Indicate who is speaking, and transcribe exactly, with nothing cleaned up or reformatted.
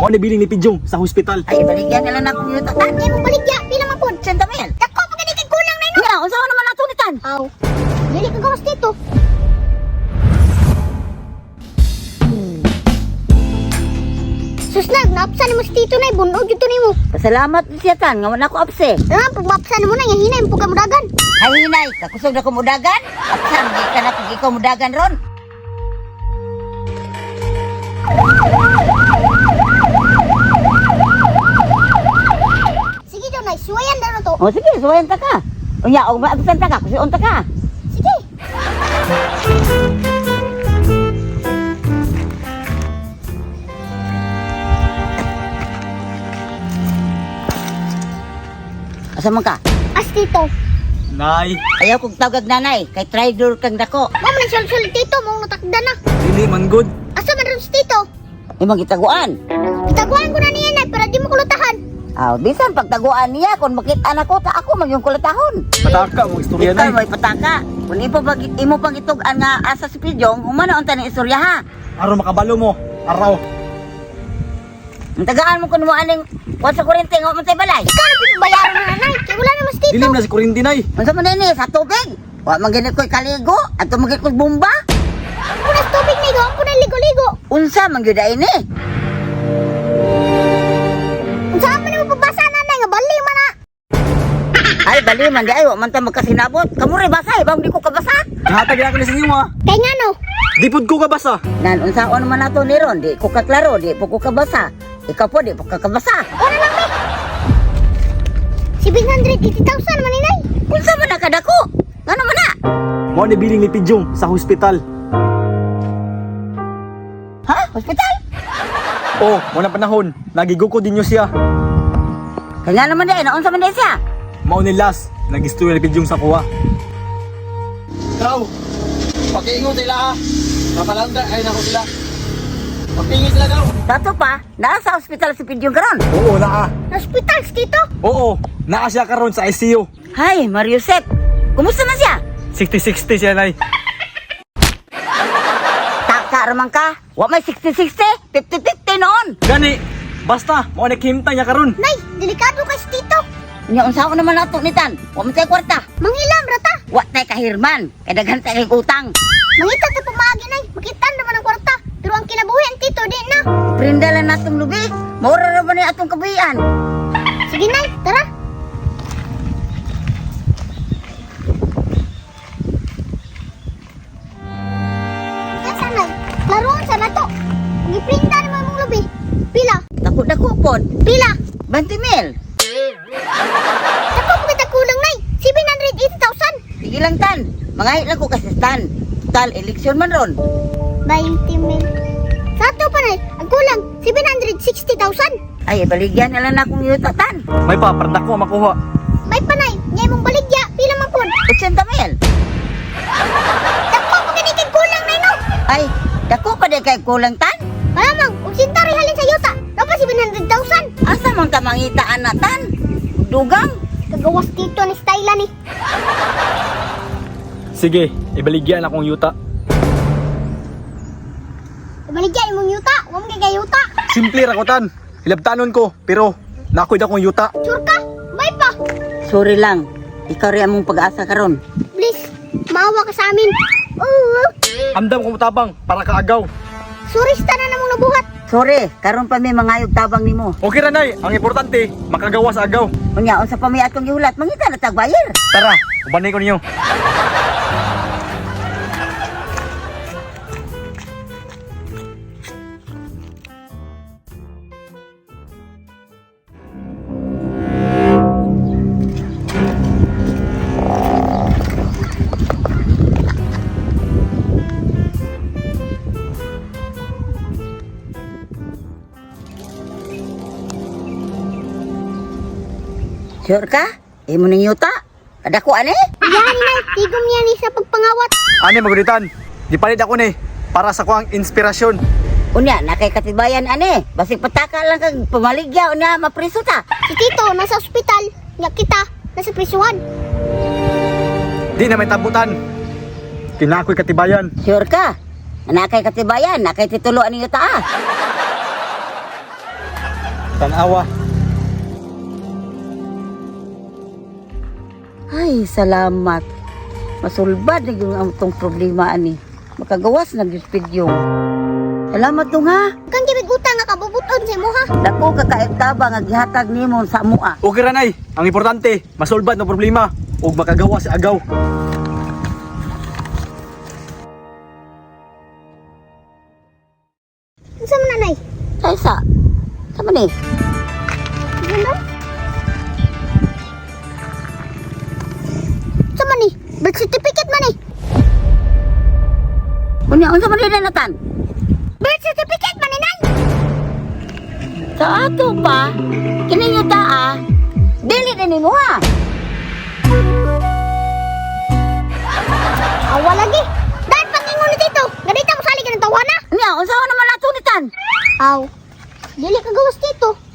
Speaker 1: Mao ni biling ni Pidyong sa hospital.
Speaker 2: Ay, baligyan na lang ako yung tatan. Ay, mong baligya. Pila man po. Santamil. Dako, pagkanikin kulang na ino. Nga, unsa naman natunitan? Aw. Dili ka gawas dito. Susnag, naapsan mo si Tito na, bunog yun ni mo. Pasalamat siya tan, nga wala ko apse. Ah, pag maapsan mo na, yung hinay mo ka mudagan. Ay, hinay, kakusog na ko mudagan? Apsan, di ka na kung ikaw mudagan ron. Sige daw, Nay, suwayan na na to. O sige, suwayan ta ka. Unya, o maapsan ta ka, kusuon ta ka. Sige. Asa man ka? As Tito.
Speaker 1: Nay,
Speaker 2: Ayaw kong tawag nanay, kay traidor kang dako. Mama na sul-sul Tito, mong natakda na.
Speaker 1: dili man good.
Speaker 2: Asa man ron si Tito? Imong gitaguan. Gitaguan ko na niya, Nay, para di mo kulutahan. Aw, bisan pagtaguan niya, kung makita na ko, ta ako magyong kulutahon.
Speaker 1: Pataka mo istorya
Speaker 2: Ikaw
Speaker 1: nay.
Speaker 2: may pataka. Kung ipo pag imo pang itugan nga asa si Pidyong, humana unta ni istorya ha.
Speaker 1: Aron makabalo mo. Araw.
Speaker 2: Ang tagaan mo kun mo aning kuwan sa kurente nga mo tay balay. Ikaw na pibayaran na nanay, kay wala naman si Tito.
Speaker 1: Dilim na si Kurinti nay.
Speaker 2: Unsa man ini sa tubig? Wa man gani koy kaligo, ato man koy bomba. Punas tubig ni go, punas ligo-ligo. Unsa man gyud ini? Unsa man mo pabasa nanay nga bali man na. Ay bali man di ay wa man ta magkasinabot. Kamu ray basa eh, bang di ko kabasa.
Speaker 1: Nahatag na ko ni sa inyo ha.
Speaker 2: Kay ngano?
Speaker 1: Di pud ko kabasa.
Speaker 2: Nan unsaon man nato ni ron, di ko kaklaro, di po ko kabasa. Ikaw po di po ka kabasa. Ora lang mi. seven hundred eighty thousand man inay. Unsa man nakadako? Ngano man na?
Speaker 1: Mao ni biling ni Pidyong sa hospital.
Speaker 2: Ha? Hospital?
Speaker 1: Oh, mo na panahon. Nagiguko din niyo siya.
Speaker 2: Kaya nga naman din, naunsa man din siya.
Speaker 1: Mao ni last. Nag-istorya ni Pidyong sa kuha.
Speaker 3: Ikaw, pakiingon sila ha. Kapalanda, ay nako sila. Pagpingin sila daw.
Speaker 2: Tato pa, naa sa hospital si Pidyong karon.
Speaker 1: Oo, naa.
Speaker 2: Hospital, Tito?
Speaker 1: Oo, naa siya karon sa I C U.
Speaker 2: Hay, Mariusep. Kumusta na siya?
Speaker 1: sixty sixty siya nay.
Speaker 2: Taka raman ka. Wa may sixty sixty, fifty fifty noon.
Speaker 1: Gani, basta mo nakimta niya karon.
Speaker 2: Nay, delikado ka si Tito. Nya unsa naman nato nitan? Wa man tay kwarta. Manghilam rata. Wa tay kahirman. Kay daghan tay kay utang. Mangita ta pamagi nay. Makitan naman ang kwarta. Pero ang kinabuhi ang Tito di na. Prindalan natong lubi. Maura ra ba ni atong kabuhian? Sige nay, tara. Asa nay? Laruan sa nato. Giprinda naman mong lubi. Pila? Dako-dako pod. Pila? twenty mil. Dako kita kulang nay. seven hundred eighty thousand. Sige lang tan. Mangahit lang ko kasi tan. Tal eleksyon man ron. twenty mil. Sato pa nay. Ang kulang seven hundred sixty thousand. Ay, baligyan na lang akong yuta tan.
Speaker 1: May pa, parda ko makuha.
Speaker 2: May panay. Nyay mong baligya. Pila man pun? eighty mil. Dako pa kanikin kulang nay no. Ay, dako pa di kay kulang tan. Malamang, kung sinta rin halin sa yuta, dapat seven hundred thousand. Asa mong kamangitaan na tan? Dugang. Kagawas dito ni style ni.
Speaker 1: Sige, ibaligyan akong yuta.
Speaker 2: Baligyan imong yuta, wa man kay yuta.
Speaker 1: Simple rakutan. Hilabtanon ko, pero nakoy da kong yuta.
Speaker 2: Sure ka? May pa. Sorry lang. Ikaw rin among pag-asa karon. Please, maawa ka sa amin. Oo.
Speaker 1: Amdam kong tabang para kaagaw.
Speaker 2: Sorry sa tanan namong nabuhat. Sorry, karon pa may mangayog tabang nimo.
Speaker 1: Okay ra nay, ang importante, makagawa sa agaw.
Speaker 2: Unya, unsa pa may atong gihulat, mangita na tagbayar.
Speaker 1: Tara, ubanay ko ninyo.
Speaker 2: Sure ka? Imo ning yuta? Kadako ani? Yan na, tigom yan ni sa pagpangawat.
Speaker 1: Ani magulitan, gipalit ako ni para sa kuang inspirasyon.
Speaker 2: Unya, nakay katibayan ani. Basig pataka lang kag pamaligya unya mapriso ta. Si Tito nasa ospital, nya kita nasa prisuhan.
Speaker 1: Di na may tabutan. Kinakoy katibayan.
Speaker 2: Sure ka? Nakay katibayan, nakay tituloan ni yuta ah.
Speaker 1: Tanawa.
Speaker 2: Ay, salamat. Masulbad na yung amtong problema ani. Makagawas na yung Salamat dong ha.
Speaker 4: Kang gibig utang nga kabubuton sa imo ha.
Speaker 2: Dako ka kaibtaba nga gihatag nimo sa mua.
Speaker 1: Okay ra nay. Ang importante, masolbad ng problema ug makagawa sa agaw.
Speaker 4: Unsa man nanay?
Speaker 2: Sa isa. Sama ni.
Speaker 4: Ano? Unsa man ni? Birth certificate man ni.
Speaker 2: Unya unsa man din natan?
Speaker 4: Birth certificate man ni nay.
Speaker 2: Sa ato pa, kini yuta ah. Dili din nimo ha.
Speaker 4: Awa lagi. Dahil pangingon ni dito. Ganito mo sali ka ng tawana.
Speaker 2: Unya unsa naman natunitan?
Speaker 4: Aw. Dili ka gawas dito.